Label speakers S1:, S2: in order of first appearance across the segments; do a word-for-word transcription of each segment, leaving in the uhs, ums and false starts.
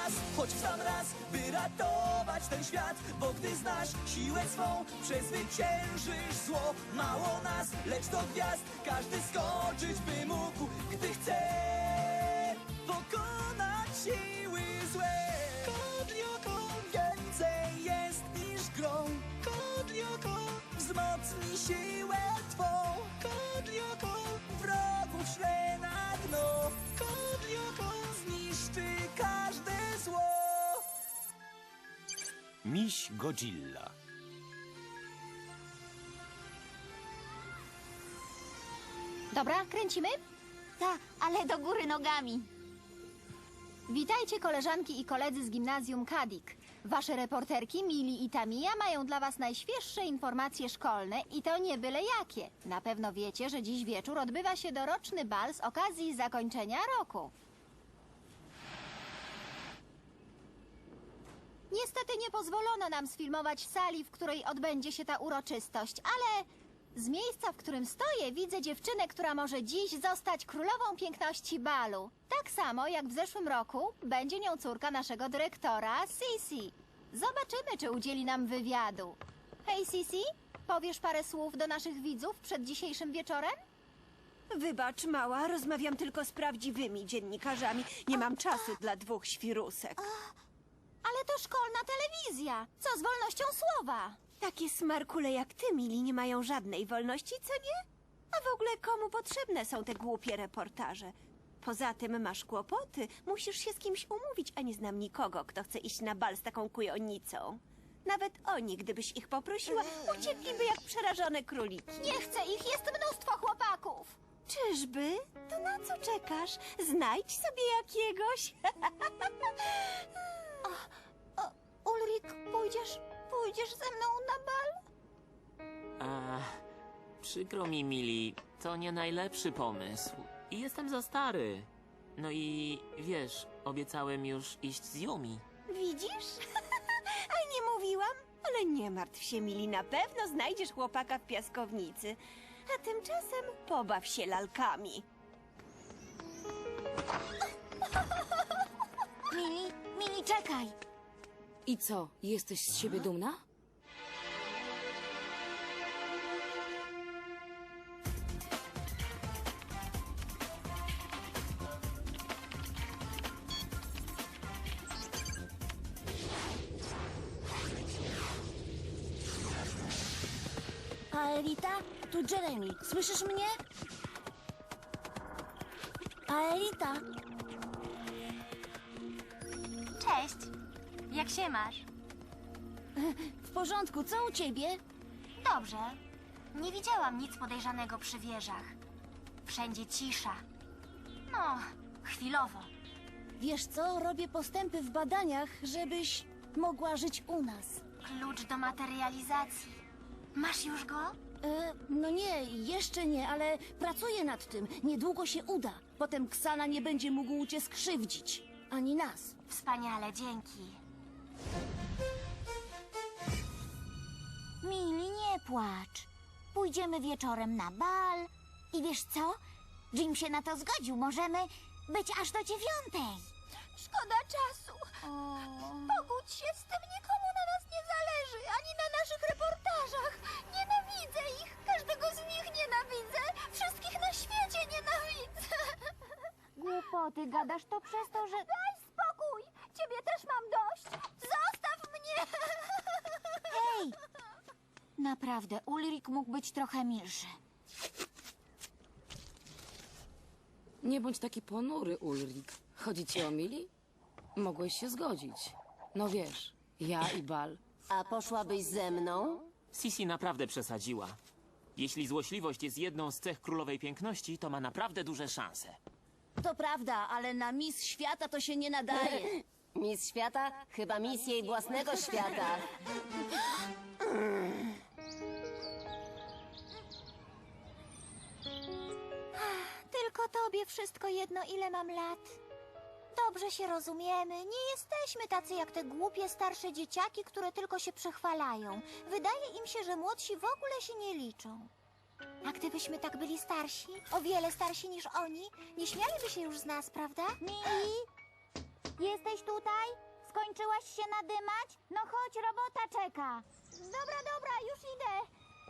S1: nas, choć w sam raz, by ratować ten świat. Bo gdy znasz siłę swą, przezwyciężysz zło. Mało nas, lecz do gwiazd każdy skoczyć by mógł, gdy chce pokonać siły złe. Kodlioko więcej jest niż grą. Kodlioko wzmocni siłę twą. Kodlioko wrogów szle na dno. Kodlioko zniszczy każde zło.
S2: Miś Godzilla.
S3: Dobra, kręcimy?
S4: Ta, ale do góry nogami.
S3: Witajcie koleżanki i koledzy z gimnazjum Kadik. Wasze reporterki Mili i Tamia mają dla was najświeższe informacje szkolne i to nie byle jakie. Na pewno wiecie, że dziś wieczór odbywa się doroczny bal z okazji zakończenia roku. Niestety nie pozwolono nam sfilmować sali, w której odbędzie się ta uroczystość, ale z miejsca, w którym stoję, widzę dziewczynę, która może dziś zostać królową piękności balu. Tak samo jak w zeszłym roku będzie nią córka naszego dyrektora, Sisi. Zobaczymy, czy udzieli nam wywiadu. Hej, Sisi, powiesz parę słów do naszych widzów przed dzisiejszym wieczorem?
S5: Wybacz, mała, rozmawiam tylko z prawdziwymi dziennikarzami. Nie mam czasu dla dwóch świrusek.
S3: Ale to szkolna telewizja. Co z wolnością słowa?
S5: Takie smarkule jak ty, Mili, nie mają żadnej wolności, co nie? A w ogóle komu potrzebne są te głupie reportaże? Poza tym masz kłopoty. Musisz się z kimś umówić, a nie znam nikogo, kto chce iść na bal z taką kujonicą. Nawet oni, gdybyś ich poprosiła, uciekliby jak przerażone króliki.
S3: Nie chcę ich, jest mnóstwo chłopaków.
S5: Czyżby? To na co czekasz? Znajdź sobie jakiegoś.
S3: Ulrik, pójdziesz, pójdziesz ze mną na bal?
S6: A, przykro mi, Mili, to nie najlepszy pomysł. I jestem za stary. No i wiesz, obiecałem już iść z Yumi.
S5: Widzisz? A nie mówiłam? Ale nie martw się, Mili, na pewno znajdziesz chłopaka w piaskownicy. A tymczasem pobaw się lalkami.
S4: Mili, Mili, czekaj.
S7: I co, jesteś z siebie dumna?
S4: Aelita, tu Jeremy. Słyszysz mnie? Aelita.
S3: Cześć, jak się masz?
S4: W porządku, co u ciebie?
S3: Dobrze. Nie widziałam nic podejrzanego przy wieżach. Wszędzie cisza. No, chwilowo.
S4: Wiesz co, robię postępy w badaniach, żebyś mogła żyć u nas.
S3: Klucz do materializacji. Masz już go?
S4: E, no nie, jeszcze nie, ale pracuję nad tym. Niedługo się uda. Potem Ksana nie będzie mógł cię skrzywdzić. Ani nas.
S3: Wspaniale, dzięki.
S4: Mili, nie płacz. Pójdziemy wieczorem na bal. I wiesz co? Jim się na to zgodził. Możemy być aż do dziewiątej.
S3: Szkoda czasu. Pogódź się z tym, nikomu na nas nie zależy, ani na naszych reportażach. Nienawidzę ich, każdego z nich nienawidzę, wszystkich na świecie nienawidzę.
S4: Głupoty, gadasz to przez to, że...
S3: Daj spokój, ciebie też mam dość. Zostaw mnie.
S4: Hej! Naprawdę, Ulrik mógł być trochę milszy.
S7: Nie bądź taki ponury, Ulrik. Chodzi ci o Mili? Mogłeś się zgodzić. No wiesz, ja i bal.
S8: A poszłabyś ze mną?
S6: Sisi naprawdę przesadziła. Jeśli złośliwość jest jedną z cech królowej piękności, to ma naprawdę duże szanse.
S4: To prawda, ale na Miss Świata to się nie nadaje.
S8: Miss Świata? Chyba miss jej własnego świata.
S3: Tylko tobie wszystko jedno, ile mam lat. Dobrze się rozumiemy. Nie jesteśmy tacy jak te głupie starsze dzieciaki, które tylko się przechwalają. Wydaje im się, że młodsi w ogóle się nie liczą. A gdybyśmy tak byli starsi, o wiele starsi niż oni, nie śmialiby się już z nas, prawda?
S4: Mili, Jesteś tutaj? Skończyłaś się nadymać? No chodź, robota czeka.
S3: Dobra, dobra, już idę.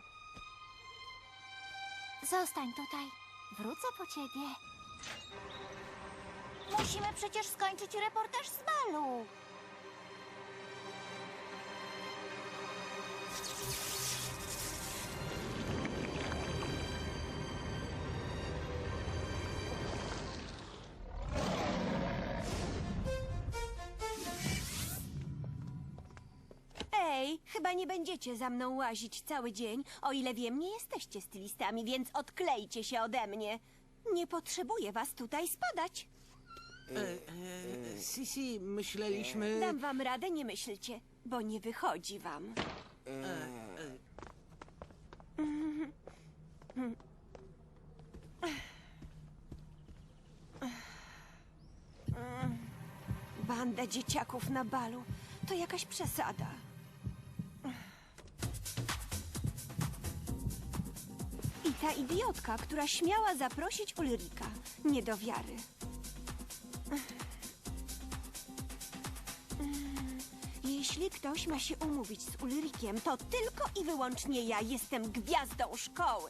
S3: Zostań tutaj. Wrócę po ciebie.
S4: Musimy przecież skończyć reportaż z balu.
S5: Ej, chyba nie będziecie za mną łazić cały dzień. O ile wiem, nie jesteście stylistami, więc odklejcie się ode mnie. Nie potrzebuję was tutaj spadać.
S2: Sisi, myśleliśmy...
S5: Dam wam radę, nie myślcie, bo nie wychodzi wam. Banda dzieciaków na balu. To jakaś przesada. I ta idiotka, która śmiała zaprosić Ulrika. Nie do wiary. Jeśli ktoś ma się umówić z Ulrikiem, to tylko i wyłącznie ja jestem gwiazdą szkoły.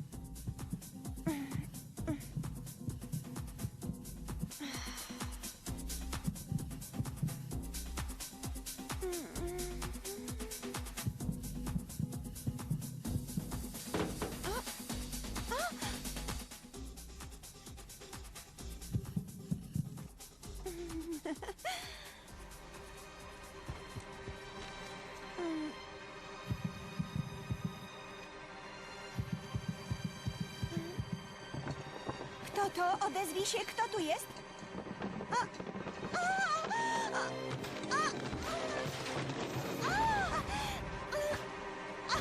S5: Kto to? Odezwij się, kto tu jest? A, a, a, a, a,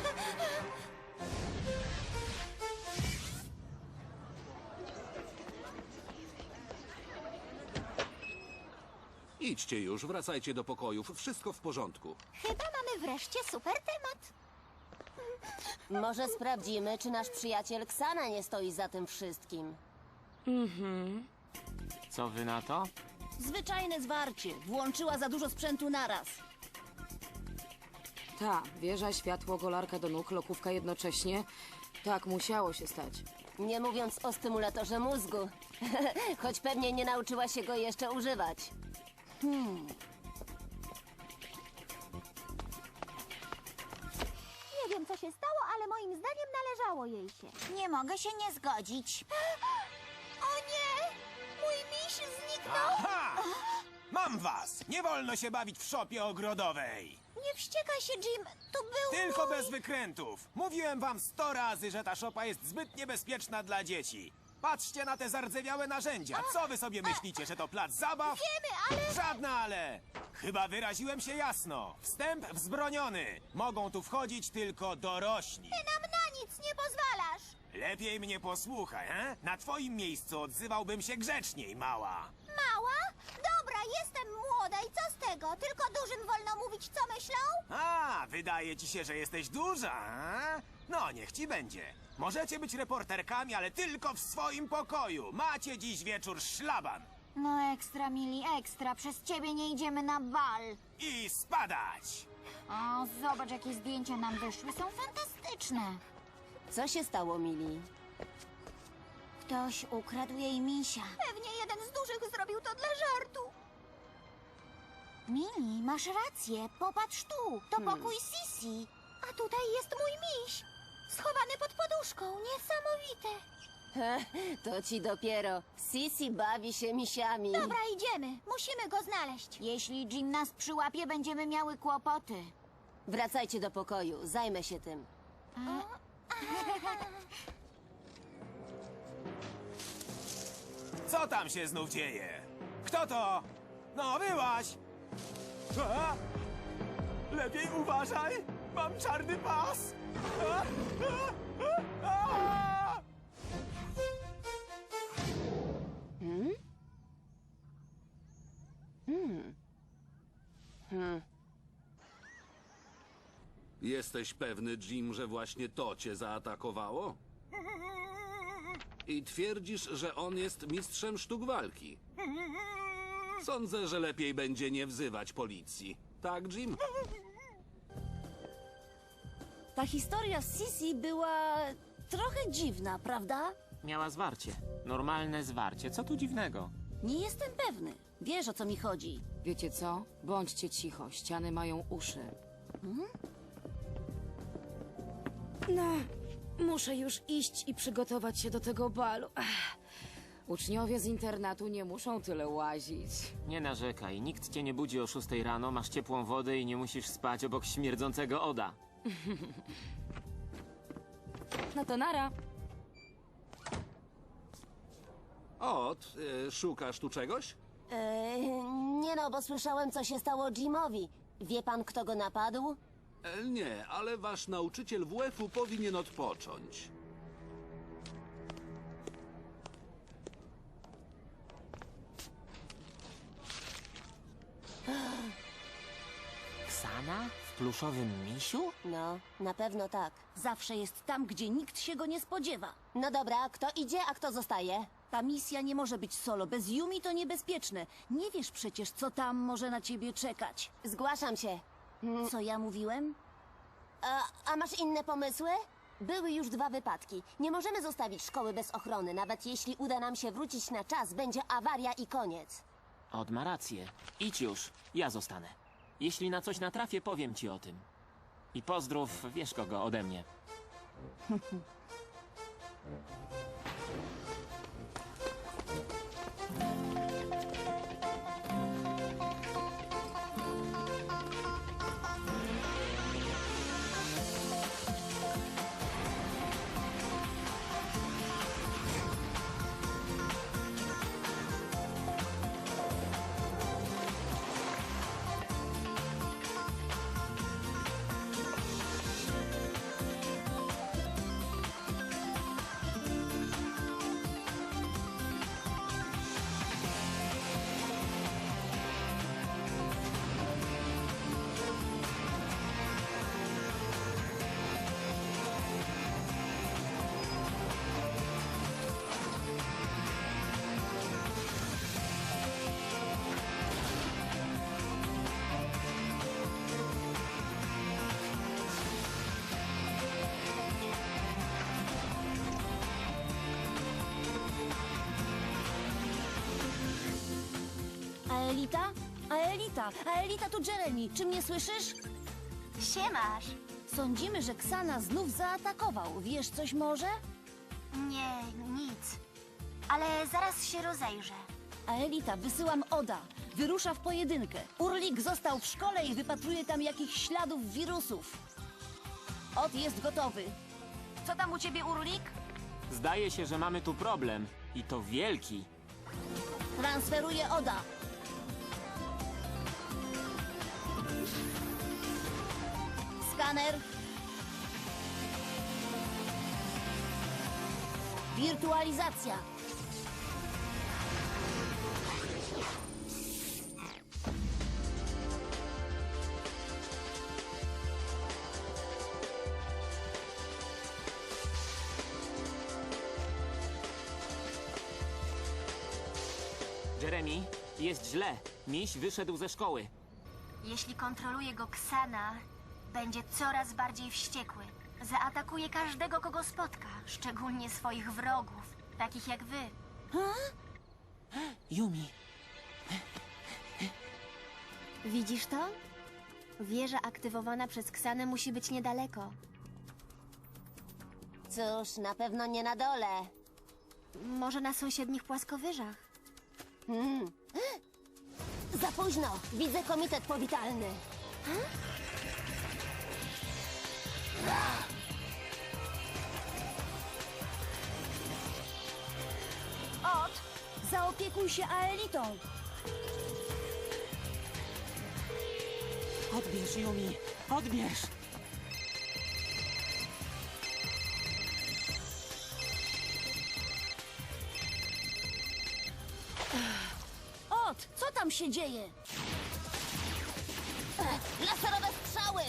S9: Idźcie już, wracajcie do pokojów. Wszystko w porządku.
S3: Chyba mamy wreszcie super temat.
S8: Może sprawdzimy, czy nasz przyjaciel Ksana nie stoi za tym wszystkim.
S6: Co wy na to?
S8: Zwyczajne zwarcie. Włączyła za dużo sprzętu naraz.
S7: Ta, wieża, światło, golarka do nóg, lokówka jednocześnie. Tak, musiało się stać.
S8: Nie mówiąc o stymulatorze mózgu. Choć pewnie nie nauczyła się go jeszcze używać.
S3: Nie wiem, co się stało, ale moim zdaniem należało jej się.
S4: Nie mogę się nie zgodzić.
S3: O nie! Mój miś zniknął!
S2: Aha! Mam was! Nie wolno się bawić w szopie ogrodowej!
S3: Nie wściekaj się, Jim. To był
S2: Tylko
S3: mój...
S2: bez wykrętów! Mówiłem wam sto razy, że ta szopa jest zbyt niebezpieczna dla dzieci. Patrzcie na te zardzewiałe narzędzia. Co wy sobie myślicie, że to plac zabaw?
S3: Wiemy, ale...
S2: Żadna ale! Chyba wyraziłem się jasno. Wstęp wzbroniony. Mogą tu wchodzić tylko dorośli.
S3: Ty nam na nic nie pozwalasz!
S2: Lepiej mnie posłuchaj, he? Na twoim miejscu odzywałbym się grzeczniej, mała.
S3: Mała? Dobra, jestem młoda i co z tego? Tylko dużym wolno mówić, co myślą?
S2: A, wydaje ci się, że jesteś duża, a? No, niech ci będzie. Możecie być reporterkami, ale tylko w swoim pokoju. Macie dziś wieczór szlaban.
S4: No ekstra, Mili, ekstra. Przez ciebie nie idziemy na bal.
S2: I spadać!
S4: O, zobacz, jakie zdjęcia nam wyszły. Są fantastyczne.
S8: Co się stało, Mili?
S4: Ktoś ukradł jej misia.
S3: Pewnie jeden z dużych zrobił to dla żartu.
S4: Mili, masz rację. Popatrz tu. To pokój Sisi.
S3: A tutaj jest mój miś. Schowany pod poduszką. Niesamowite.
S8: To ci dopiero. Sisi bawi się misiami.
S3: Dobra, idziemy. Musimy go znaleźć.
S4: Jeśli Jim nas przyłapie, będziemy miały kłopoty.
S8: Wracajcie do pokoju. Zajmę się tym.
S2: Co tam się znów dzieje? Kto to? No, byłaś! A? Lepiej uważaj! Mam czarny pas! A? A? A?
S8: Hmm? Hmm. Hmm.
S9: Jesteś pewny, Jim, że właśnie to cię zaatakowało? I twierdzisz, że on jest mistrzem sztuk walki. Sądzę, że lepiej będzie nie wzywać policji. Tak, Jim?
S10: Ta historia z Sisi była trochę dziwna, prawda?
S6: Miała zwarcie. Normalne zwarcie. Co tu dziwnego?
S10: Nie jestem pewny. Wiesz, o co mi chodzi.
S7: Wiecie co? Bądźcie cicho, ściany mają uszy. No, muszę już iść i przygotować się do tego balu. Ech. Uczniowie z internatu nie muszą tyle łazić.
S6: Nie narzekaj. Nikt cię nie budzi o szóstej rano, masz ciepłą wodę i nie musisz spać obok śmierdzącego Oda.
S7: No to nara.
S9: Ot, y, szukasz tu czegoś?
S8: Eee, nie no, bo słyszałem, co się stało Jimowi. Wie pan, kto go napadł?
S9: E, nie, ale wasz nauczyciel W F-u powinien odpocząć.
S6: Ksana? W pluszowym misiu?
S8: No, na pewno tak.
S10: Zawsze jest tam, gdzie nikt się go nie spodziewa.
S8: No dobra, kto idzie, a kto zostaje?
S10: Ta misja nie może być solo. Bez Yumi to niebezpieczne. Nie wiesz przecież, co tam może na ciebie czekać.
S8: Zgłaszam się.
S10: Co ja mówiłem?
S8: A, a masz inne pomysły? Były już dwa wypadki. Nie możemy zostawić szkoły bez ochrony. Nawet jeśli uda nam się wrócić na czas, będzie awaria i koniec.
S6: Od ma rację. Idź już. Ja zostanę. Jeśli na coś natrafię, powiem ci o tym. I pozdrów, wiesz kogo, ode mnie.
S10: Aelita? Aelita! Aelita, tu Jeremy. Czy mnie słyszysz?
S4: Siemasz.
S10: Sądzimy, że Ksana znów zaatakował. Wiesz coś może?
S4: Nie, nic. Ale zaraz się rozejrzę.
S10: Aelita, wysyłam Oda. Wyrusza w pojedynkę. Urlik został w szkole i wypatruje tam jakichś śladów wirusów. Od jest gotowy. Co tam u ciebie, Urlik?
S6: Zdaje się, że mamy tu problem. I to wielki.
S10: Transferuje Oda. Skaner. Wirtualizacja.
S6: Jeremy, jest źle. Miś wyszedł ze szkoły.
S4: Jeśli kontroluje go Ksana, będzie coraz bardziej wściekły. Zaatakuje każdego, kogo spotka, szczególnie swoich wrogów, takich jak wy.
S6: Yumi,
S3: Widzisz to? Wieża aktywowana przez Ksanę musi być niedaleko.
S8: Cóż, na pewno nie na dole.
S3: Może na sąsiednich płaskowyżach.
S8: Hmm. Za późno. Widzę komitet powitalny.
S10: Od, zaopiekuj się Aelitą.
S6: odbierz, Yumi, odbierz!
S10: Od, co tam się dzieje?
S8: Laserowe strzały!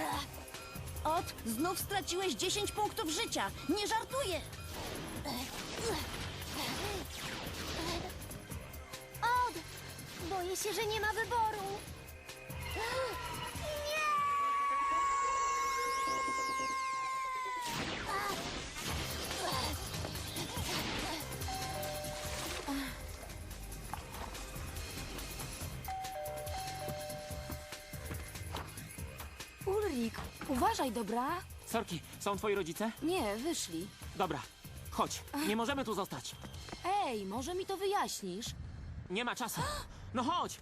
S10: Od, znów straciłeś dziesięć punktów życia. Nie żartuję.
S8: się, że nie ma wyboru.
S7: Ulrik, uważaj, dobra?
S6: Sorki, są twoi rodzice?
S7: Nie, wyszli.
S6: Dobra, chodź. Nie możemy tu zostać.
S7: Ej, może mi to wyjaśnisz?
S6: Nie ma czasu. No chodź!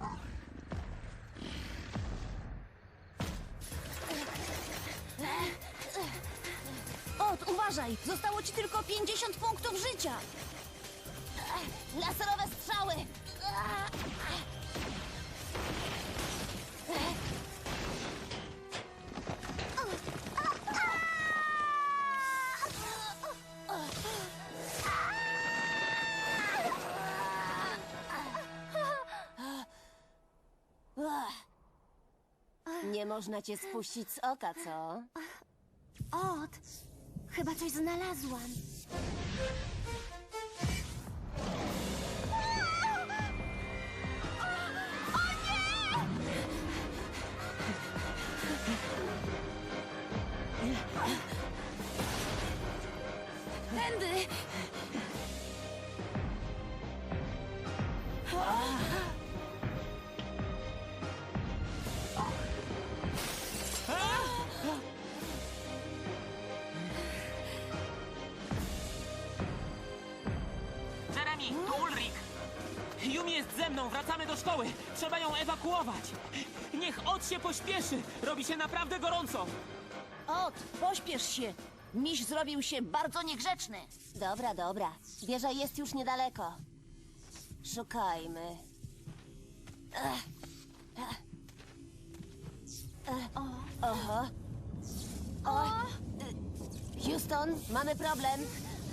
S10: Ot, uważaj! Zostało ci tylko pięćdziesiąt punktów życia!
S8: Laserowe strzały. Nie można cię spuścić z oka, co?
S4: Ot, chyba coś znalazłam.
S7: Tędy!
S6: Jeremy, to Ulrik! Yumi jest ze mną, wracamy do szkoły! Trzeba ją ewakuować! Niech Ot się pośpieszy! Robi się naprawdę gorąco!
S10: Ot, pośpiesz się! Miś zrobił się bardzo niegrzeczny.
S8: Dobra, dobra. Wieża jest już niedaleko. Szukajmy. Ech. Ech. Ech. Oho. O. Y, Houston, mamy problem.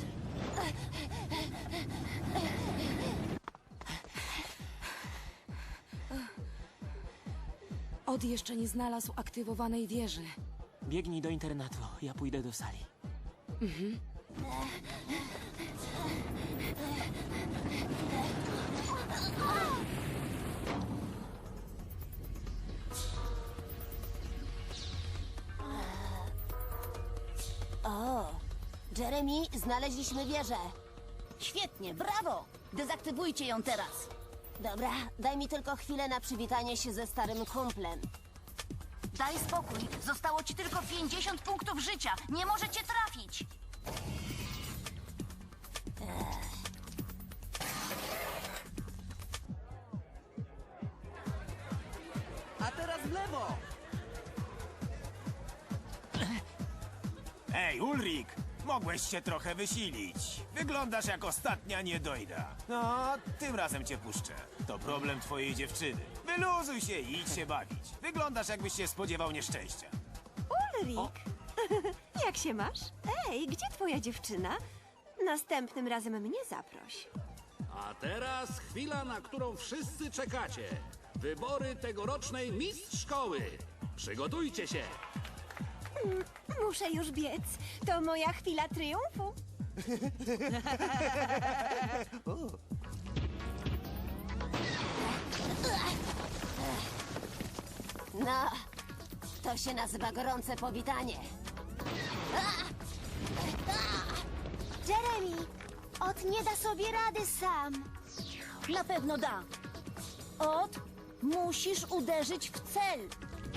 S7: Od jeszcze nie znalazł aktywowanej wieży.
S6: Biegnij do internatu, ja pójdę do sali.
S8: O, Jeremy, znaleźliśmy wieżę.
S10: Świetnie, brawo! Dezaktywujcie ją teraz.
S8: Dobra, daj mi tylko chwilę na przywitanie się ze starym kumplem.
S10: Daj spokój, zostało ci tylko pięćdziesiąt punktów życia. Nie możecie trafić.
S1: A teraz w lewo!
S2: Ej, Ulrik! Mogłeś się trochę wysilić. Wyglądasz jak ostatnia niedojda. No, tym razem cię puszczę. To problem twojej dziewczyny. Wyluzuj się i idź się bawić. Wyglądasz jakbyś się spodziewał nieszczęścia.
S5: Ulrik, jak się masz? Ej, gdzie twoja dziewczyna? Następnym razem mnie zaproś.
S9: A teraz chwila, na którą wszyscy czekacie. Wybory tegorocznej mistrz szkoły. Przygotujcie się.
S5: Muszę już biec. To moja chwila triumfu.
S8: No, to się nazywa gorące powitanie.
S4: Jeremy, Ot nie da sobie rady sam.
S10: Na pewno da. Ot, musisz uderzyć w cel.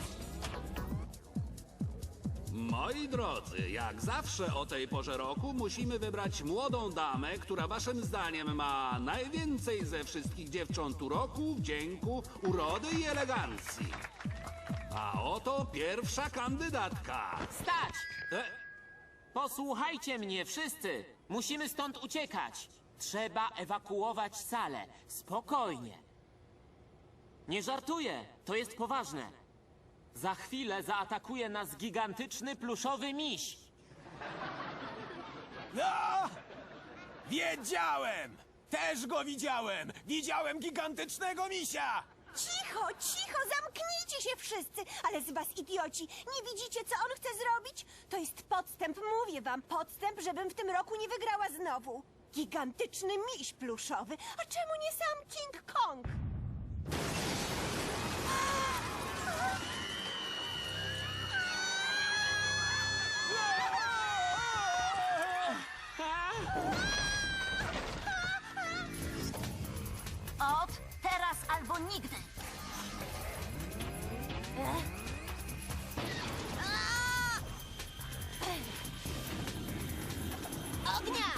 S9: Moi drodzy, jak zawsze o tej porze roku musimy wybrać młodą damę, która waszym zdaniem ma najwięcej ze wszystkich dziewcząt uroku, wdzięku, urody i elegancji. A oto pierwsza kandydatka.
S6: Stać!
S9: E,
S6: Posłuchajcie mnie, wszyscy! Musimy stąd uciekać! Trzeba ewakuować salę. Spokojnie. Nie żartuję, to jest poważne. Za chwilę zaatakuje nas gigantyczny pluszowy miś.
S2: No! Wiedziałem! Też go widziałem! Widziałem gigantycznego misia!
S5: Cicho, cicho, zamknijcie się wszyscy! Ale z was idioci, nie widzicie, co on chce zrobić? To jest podstęp, mówię wam, podstęp, żebym w tym roku nie wygrała znowu. Gigantyczny miś pluszowy, a czemu nie sam King Kong?
S10: Od teraz albo nigdy.
S8: Ognia!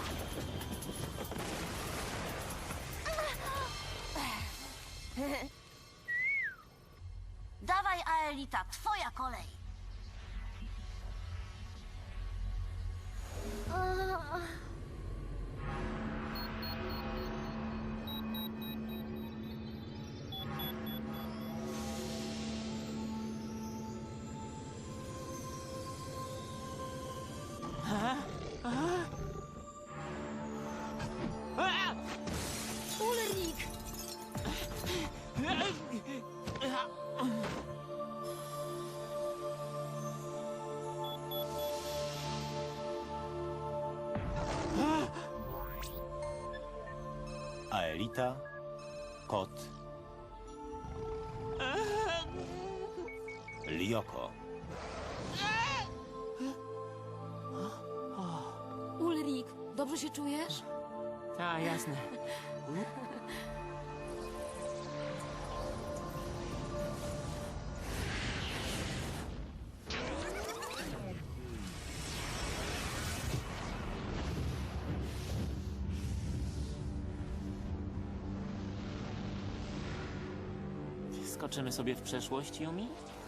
S10: Dawaj, Aelita, twoja kolej.
S7: Ulrik!
S11: Aelita, kot, Lyoko.
S7: Ulrik, dobrze się czujesz?
S6: Ta, jasne. Skoczymy sobie w przeszłość, Yumi?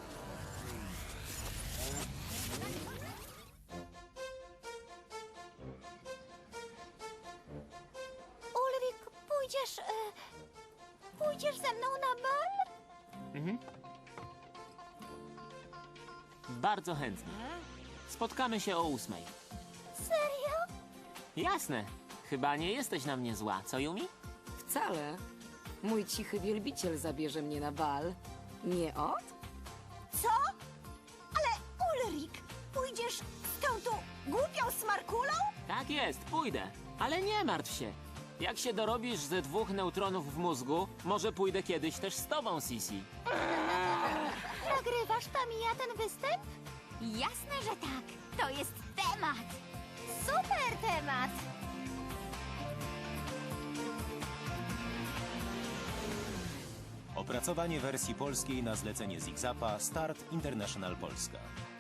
S3: Ulrik, pójdziesz... E, pójdziesz ze mną na bal?
S6: Mhm. Bardzo chętnie. Spotkamy się o ósmej.
S3: Serio?
S6: Jasne. Chyba nie jesteś na mnie zła, co Yumi?
S7: Wcale. Mój cichy wielbiciel zabierze mnie na bal. Nie od?
S5: Co? Ale Ulrik, pójdziesz z tą tu głupią smarkulą?
S6: Tak jest, pójdę. Ale nie martw się. Jak się dorobisz ze dwóch neutronów w mózgu, może pójdę kiedyś też z tobą, Sisi.
S3: Nagrywasz tam i ja ten występ?
S4: Jasne, że tak. To jest temat.
S3: Super temat!
S11: Opracowanie wersji polskiej na zlecenie Zigzapa Start International Polska.